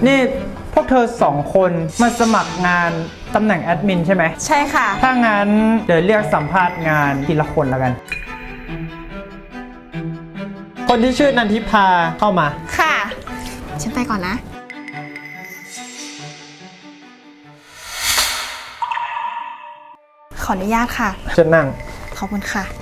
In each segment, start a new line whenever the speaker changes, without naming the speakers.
นี่พวกเธอ2 คนมาสมัครงานตำแหน่งแอดมินใช่ไหม
ใช่ค่ะ
ถ้างั้นเดี๋ยวเรียกสัมภาษณ์งานทีละคนแล้วกัน คนที่ชื่อนันทิพาเข้ามา
ค่ะฉันไปก่อนนะขออนุญาตค่ะ
จะนั่ง
ขอบคุณค่ะ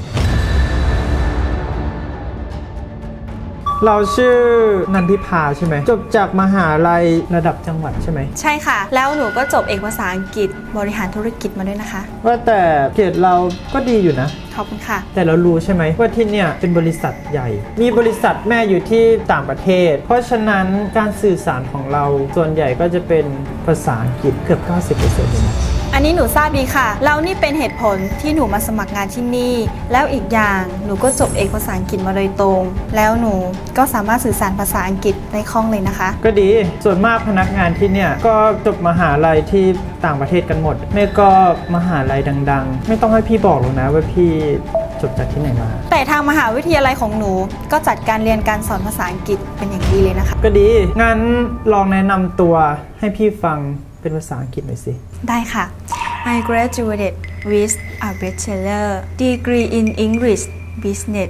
เราชื่อนันทิพาใช่ไหมจบจากมหาลัยระดับจังหวัดใช่ไหม
ใช่ค่ะแล้วหนูก็จบเอกภาษาอังกฤษบริหารธุรกิจมาด้วยนะคะ
ว่าแต่เกรดเราก็ดีอยู่นะ
ขอบคุณค่ะ
แต่เรารู้ใช่ไหมว่าที่เนี่ยเป็นบริษัทใหญ่มีบริษัทแม่อยู่ที่ต่างประเทศเพราะฉะนั้นการสื่อสารของเราส่วนใหญ่ก็จะเป็นภาษาอังกฤษเกือบ 90% เลยนะ
อันนี้หนูทราบดีค่ะแล้วนี่เป็นเหตุผลที่หนูมาสมัครงานที่นี่แล้วอีกอย่างหนูก็จบเอกภาษาอังกฤษมาโดยตรงแล้วหนูก็สามารถสื่อสารภาษาอังกฤษได้คล่องเลยนะคะ
ก็ดีส่วนมากพนักงานที่เนี่ยก็จบมหาลัยที่ต่างประเทศกันหมดไม่ก็มหาลัยดังๆไม่ต้องให้พี่บอกหรอกนะว่าพี่จบจากที่ไหนมา
แต่ทางมหาวิทยาลัยของหนูก็จัดการเรียนการสอนภาษาอังกฤษเป็นอย่างดีเลยนะคะ
ก็ดีงั้นลองแนะนำตัวให้พี่ฟังเป็นภาษาอังกฤษหน่อยสิ
ได้ค่ะ I graduated with a bachelor degree in English Business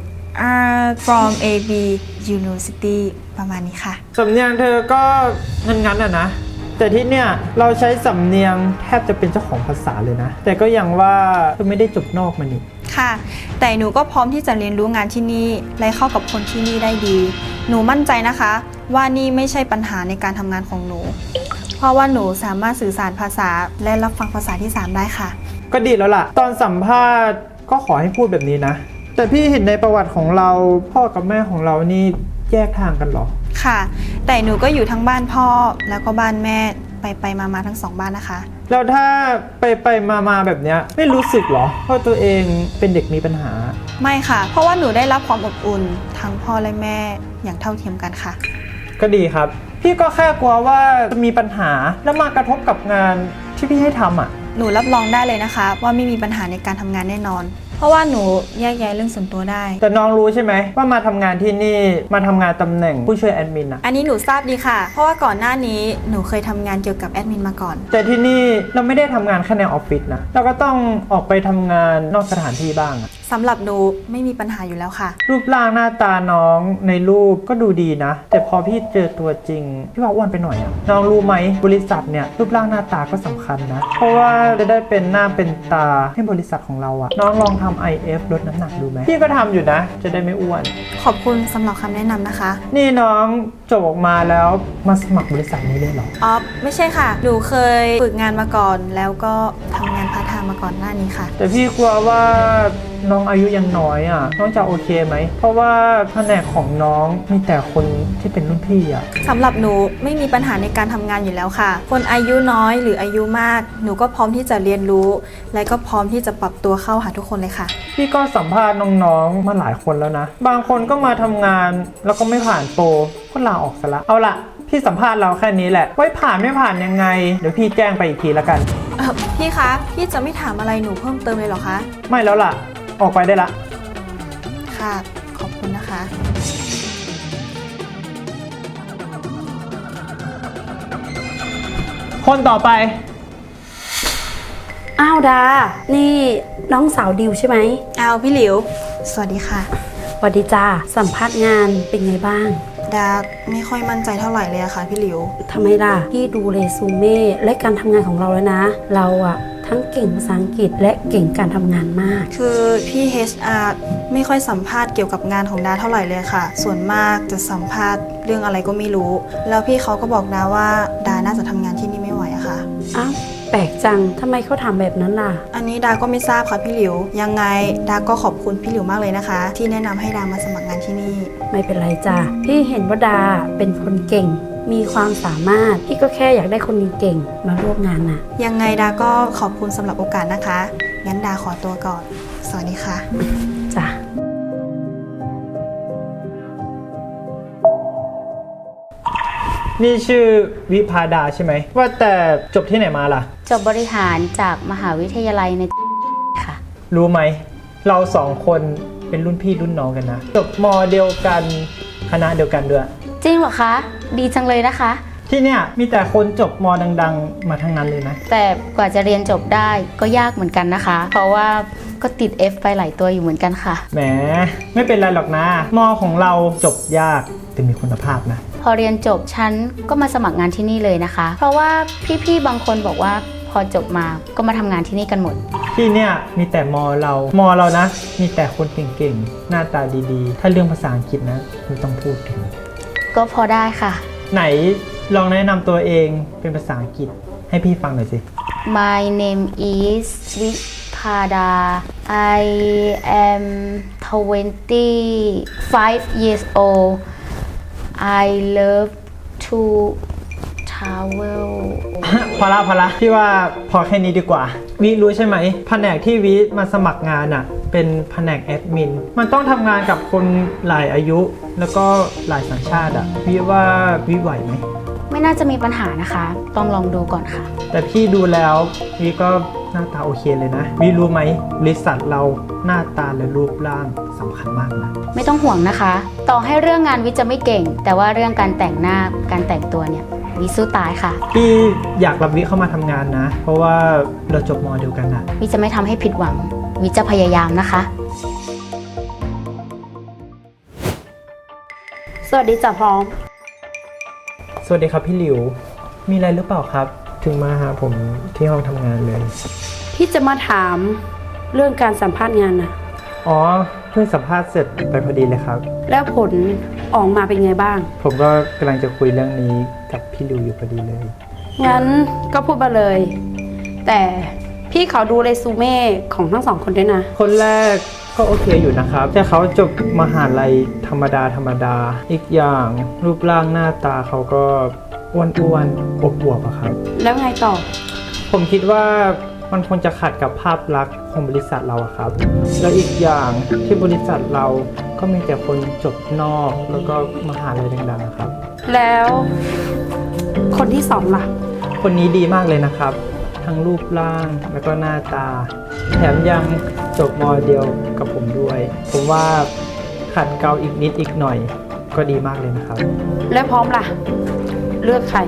from AB University ประมาณนี้ค่ะ
สำเนียงเธอก็งั้นอ่ะนะแต่ที่เนี่ยเราใช้สำเนียงแทบจะเป็นเจ้าของภาษาเลยนะแต่ก็อย่างว่าเธอไม่ได้จบนอกมานี่
ค่ะแต่หนูก็พร้อมที่จะเรียนรู้งานที่นี่และเข้ากับคนที่นี่ได้ดีหนูมั่นใจนะคะว่านี่ไม่ใช่ปัญหาในการทำงานของหนูเพราะว่าหนูสามารถสื่อสารภาษาและรับฟังภาษาที่3ได้ค่ะ
ก็ดีแล้วล่ะตอนสัมภาษณ์ก็ขอให้พูดแบบนี้นะแต่พี่เห็นในประวัติของเราพ่อกับแม่ของเรานี่แยกทางกันหรอ
ค่ะแต่หนูก็อยู่ทั้งบ้านพ่อแล้วก็บ้านแม่ไปมาทั้ง2บ้านนะคะ
แล้วถ้าไปมาแบบเนี้ยไม่รู้สึกหรอว่าตัวเองเป็นเด็กมีปัญหา
ไม่ค่ะเพราะว่าหนูได้รับความอบอุ่นทั้งพ่อและแม่อย่างเท่าเทียมกันค่ะ
ก็ดีครับพี่ก็แค่กลัวว่าจะมีปัญหาแล้วมากระทบกับงานที่พี่ให้ทำอ่ะ
หนูรับรองได้เลยนะคะว่าไม่มีปัญหาในการทำงานแน่นอนเพราะว่าหนูแยกแยะเรื่องส่วนตัวได้
แต่น้องรู้ใช่ไหมว่ามาทำงานที่นี่มาทำงานตำแหน่งผู้ช่วยแอดมินอ่ะ
อันนี้หนูทราบดีค่ะเพราะว่าก่อนหน้านี้หนูเคยทำงานเกี่ยวกับแอดมินมาก่อน
แต่ที่นี่เราไม่ได้ทำงานแค่ในออฟฟิศนะเราก็ต้องออกไปทำงานนอกสถานที่บ้าง
สำหรับหนูไม่มีปัญหาอยู่แล้วค่ะ
รูปร่างหน้าตาน้องในรูปก็ดูดีนะแต่พอพี่เจอตัวจริงพี่ว่าอ้วนไปหน่อยอ่ะน้องรู้ไหมบริษัทเนี่ยรูปร่างหน้าตาก็สำคัญนะเพราะว่าจะได้เป็นหน้าเป็นตาให้บริษัทของเราอ่ะน้องลองทำ IF ลดน้ำหนักดูไหมพี่ก็ทำอยู่นะจะได้ไม่อ้วน
ขอบคุณสำหรับคำแนะนำนะคะ
นี่น้องจบออกมาแล้วมาสมัครบริษัทนี้ได้หรอ
อ๋อไม่ใช่ค่ะหนูเคยฝึกงานมาก่อนแล้วก็ทำงานพาร์ทไทม์มาก่อนหน้านี้ค่ะ
แต่พี่กลัวว่าน้องอายุยังน้อยอ่ะน้องจะโอเคไหมเพราะว่าแผนกของน้องมีแต่คนที่เป็นรุ่นพี่อ่ะ
สำหรับหนูไม่มีปัญหาในการทำงานอยู่แล้วค่ะคนอายุน้อยหรืออายุมากหนูก็พร้อมที่จะเรียนรู้และก็พร้อมที่จะปรับตัวเข้าหาทุกคนเลยค่ะ
พี่ก็สัมภาษณ์น้องๆมาหลายคนแล้วนะบางคนก็มาทำงานแล้วก็ไม่ผ่านโปรก็ลาออกซะละเอาละพี่สัมภาษณ์เราแค่นี้แหละไว้ผ่านไม่ผ่านยังไงเดี๋ยวพี่แจ้งไปอีกทีละกัน
พี่คะพี่จะไม่ถามอะไรหนูเพิ่มเติมเลยเหรอคะ
ไม่แล้วล่ะออกไปได้ละ
ค่ะขอบคุณนะคะ
คนต่อไป
อ้าวดานี่น้องสาวดิวใช่ไหม
อ้าวพี่หลิวสวัสดีค่ะ
สวัสดีจ้าสัมภาษณ์งานเป็นไงบ้าง
ดาไม่ค่อยมั่นใจเท่าไหร่เลยอะค่ะพี่หลิว
ทำไมล่ะพี่ดูเรซูเม่และการทำงานของเราแล้วนะเราอะทั้งเก่งภาษาอังกฤษและเก่งการทำงานมาก
คือพี่ HR ไม่ค่อยสัมภาษณ์เกี่ยวกับงานของดาเท่าไหร่เลยค่ะส่วนมากจะสัมภาษณ์เรื่องอะไรก็ไม่รู้แล้วพี่เขาก็บอกดาว่าดาน่าจะทำงานที่นี่ไม่ไหวอะค่ะ
อ้าวแปลกจังทำไมเขาทำแบบนั้นล่ะ
อันนี้ดาก็ไม่ทราบค่ะพี่หลิวยังไงดาก็ขอบคุณพี่หลิวมากเลยนะคะที่แนะนำให้ดามาสมัครงานที่นี่
ไม่เป็นไรจ้ะพี่เห็นว่าดาเป็นคนเก่งมีความสามารถพี่ก็แค่อยากได้คนเก่งมาร่วมงานน่ะ
ยังไงดาก็ขอบคุณสำหรับโอกาสนะคะงั้นดาขอตัวก่อนสวัสดีค่ะ
จ้ะ
นี่ชื่อวิภาดาใช่ไหมว่าแต่จบที่ไหนมาล่ะ
จบบริหารจากมหาวิทยาลัยในค่ะ
รู้ไหมเรา2 คนเป็นรุ่นพี่รุ่นน้องกันนะจบม.เดียวกันคณะเดียวกันด้วย
จริงเหรอคะดีจังเลยนะคะ
ที่เนี่ยมีแต่คนจบมดังๆ มาทั้งนั้นเลยนะ
แต่กว่าจะเรียนจบได้ก็ยากเหมือนกันนะคะ เพราะว่าก็ติด F ไปหลายตัวอยู่เหมือนกันค่ะ
แหมไม่เป็นไรหรอกนะมอของเราจบยากแต่มีคุณภาพนะ
พอเรียนจบฉันก็มาสมัครงานที่นี่เลยนะคะ เพราะว่าพี่ๆบางคนบอกว่าพอจบมาก็มาทำงานที่นี่กันหมด
ที่เนี่ยมีแต่มอเรานะ มีแต่คนเก่งๆ หน้าตาดีๆ ถ้าเรื่องภาษาอังกฤษนะไม่ต้องพูดถึง
ก็พอได้ค่ะ
ไหนลองแนะนำตัวเองเป็นภาษาอังกฤษให้พี่ฟังหน่อยสิ
My name is Vipada I am 25 years old I love to travel
พอละพี่ว่าพอแค่นี้ดีกว่าวิรู้ใช่ไหมแผนกที่วิมาสมัครงานอ่ะเป็นแผนกแอดมินมันต้องทำงานกับคนหลายอายุ แล้วก็หลายสัญชาติอ่ะวิว่าวิไหวไหม
ไม่น่าจะมีปัญหานะคะ ต้องลองดูก่อนค่ะ
แต่พี่ดูแล้ววิก็หน้าตาโอเคเลยนะวิรู้ไหมบริษัทเราหน้าตาและรูปร่างสำคัญมากนะ
ไม่ต้องห่วงนะคะ ต่อให้เรื่องงานวิจะไม่เก่ง แต่ว่าเรื่องการแต่งหน้าการแต่งตัวเนี่ยวิสู้ตายค่ะ
พี่อยากรับวิเข้ามาทำงานนะ เพราะว่าเราจบมอเดียวกันอะ
วิจะไม่ทำให้ผิดหวัง วิจะพยายามนะคะ
สวัสดีจ้ะพร้อม
สวัสดีครับพี่หลิว มีอะไรหรือเปล่าครับ ถึงมาหาผมที่ห้องทำงานเลย
พี่จะมาถามเรื่องการสัมภาษณ์งานนะ
อ๋อเพิ่งสัมภาษณ์เสร็จไปพอดีเลยครับ
แล้วผลออกมาเป็นไงบ้าง
ผมก็กำลังจะคุยเรื่องนี้กับพี่หลิวอยู่พอดีเลย
งั้นก็พูดมาเลย แต่พี่ขอดูเรซูเม่ของทั้งสองคนด้วยนะ
คนแรกก็โอเคอยู่นะครับแต่เขาจบมหาลัยธรรมดาอีกอย่างรูปร่างหน้าตาเขาก็อ้วนๆอวบๆอะครับ
แล้วไงต่อ
ผมคิดว่ามันคงจะขัดกับภาพลักษณ์ของบริษัทเราอะครับ แล้วอีกอย่างที่บริษัทเราก็มีแต่คนจบนอกแล้วก็มหาลัยดังๆนะครับ
แล้วคนที่สองล่ะ
คนนี้ดีมากเลยนะครับ ทั้งรูปร่างแล้วก็หน้าตา แถมยังจบมอเดียวกับผมด้วย ผมว่าขัดเกลาอีกนิดอีกหน่อยก็ดีมากเลยนะครับ
แล้วพร้อมล่ะ เลือกใคร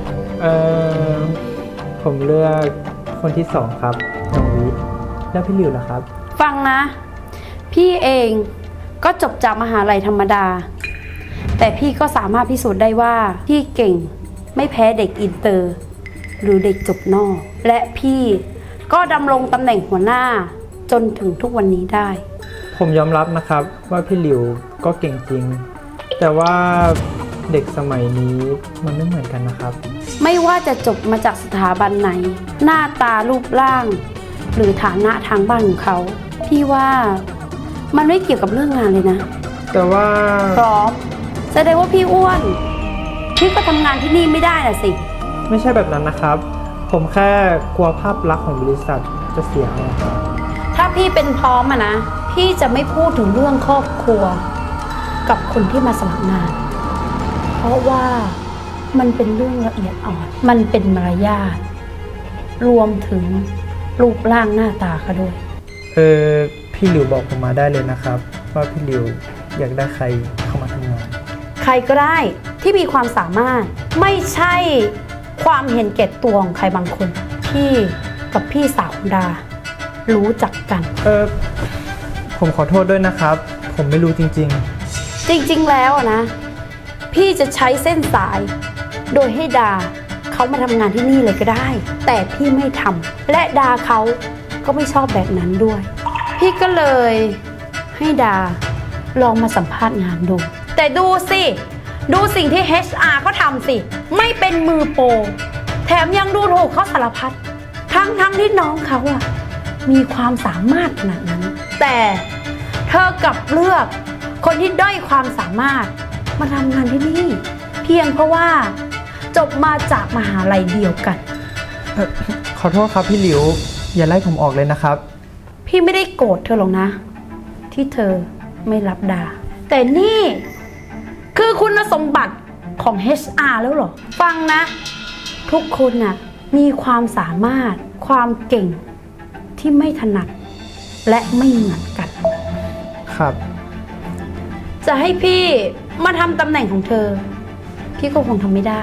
ผมเลือกคนที่สองครับน้องวิแล้วพี่หลิวล่ะครับ
ฟังนะ พี่เองก็จบจากมหาลัยธรรมดา แต่พี่ก็สามารถพิสูจน์ได้ว่าพี่เก่งไม่แพ้เด็กอินเตอร์ หรือเด็กจบนอก และพี่ก็ดำรงตำแหน่งหัวหน้าจนถึงทุกวันนี้ได้
ผมยอมรับนะครับว่าพี่หลิวก็เก่งจริง แต่ว่าเด็กสมัยนี้มันไม่เหมือนกันนะครับ
ไม่ว่าจะจบมาจากสถาบันไหน หน้าตารูปร่าง หรือฐานะทางบ้านของเขา พี่ว่ามันไม่เกี่ยวกับเรื่องงานเลยนะ
แต่ว่า
พร้อมแสดงว่าพี่อ้วน พี่ก็ทำงานที่นี่ไม่ได้น่ะสิ
ไม่ใช่แบบนั้นนะครับ ผมแค่กลัวภาพลักษณ์ของบริษัทจะเสียเอาครับ
ถ้าพี่เป็นพร้อมอะนะ พี่จะไม่พูดถึงเรื่องครอบครัว กับคนที่มาสมัครงาน เพราะว่ามันเป็นเรื่องละเอียดอ่อน มันเป็นมารยาท รวมถึงรูปร่างหน้าตาเขาด้วย
พี่หลิวบอกผมมาได้เลยนะครับ ว่าพี่หลิวอยากได้ใครเข้ามาทำงาน
ใครก็ได้ที่มีความสามารถไม่ใช่ความเห็นแก่ตัวของใครบางคน พี่กับพี่สาวดา รู้จักกัน
ผมขอโทษด้วยนะครับ ผมไม่รู้จริง
จริงๆแล้วอะนะ พี่จะใช้เส้นสาย โดยให้ดาเขามาทำงานที่นี่เลยก็ได้ แต่พี่ไม่ทำและดาเขาก็ไม่ชอบแบบนั้นด้วย พี่ก็เลยให้ดาลองมาสัมภาษณ์งานดู แต่ดูสิดูสิ่งที่ HR เขาทำสิ ไม่เป็นมือโปรแถมยังดูถูกเขาสารพัดทั้งที่น้องเขาอะมีความสามารถขนาดนั้น แต่เธอกลับเลือกคนที่ด้อยความสามารถมาทำงานที่นี่ เพียงเพราะว่าจบมาจากมหาลัยเดียวกัน
ๆ ขอโทษครับพี่หลิว อย่าไล่ผมออกเลยนะครับ
พี่ไม่ได้โกรธเธอหรอกนะ ที่เธอไม่รับดา แต่นี่คือคุณสมบัติของ HR แล้วเหรอ ฟังนะ ทุกคนน่ะมีความสามารถความเก่งที่ไม่ถนัดและไม่เหมือนกัน
ครับ
จะให้พี่มาทำตำแหน่งของเธอ พี่ก็คงทำไม่ได้ เพ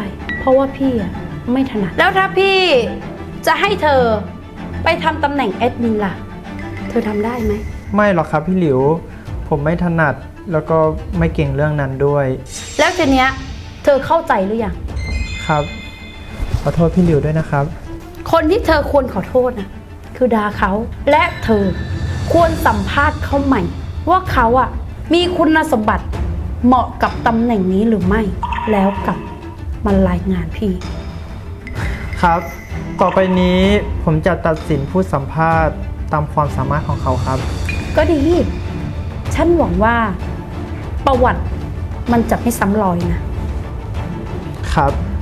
เพราะว่าพี่อะไม่ถนัดแล้วถ้าพี่จะให้เธอไปทำตำแหน่งแอดมินล่ะ เธอทำได้ไหม
ไม่หรอกครับพี่หลิว ผมไม่ถนัดแล้วก็ไม่เก่งเรื่องนั้นด้วย
แล้วทีเนี้ยเธอเข้าใจหรือยัง
ครับ ขอโทษพี่หลิวด้วยนะครับ
คนที่เธอควรขอโทษนะคือดาเขาและเธอควรสัมภาษณ์เขาใหม่ ว่าเขาอะมีคุณสมบัติเหมาะกับตำแหน่งนี้หรือไม่ แล้วกลับมารายงานพี่
ครับ ต่อไปนี้ผมจะตัดสินผู้สัมภาษณ์ตามความสามารถของเขาครับ
ก็ดี ฉันหวังว่าประวัติมันจะไม่ซ้ำรอยนะ
ครับ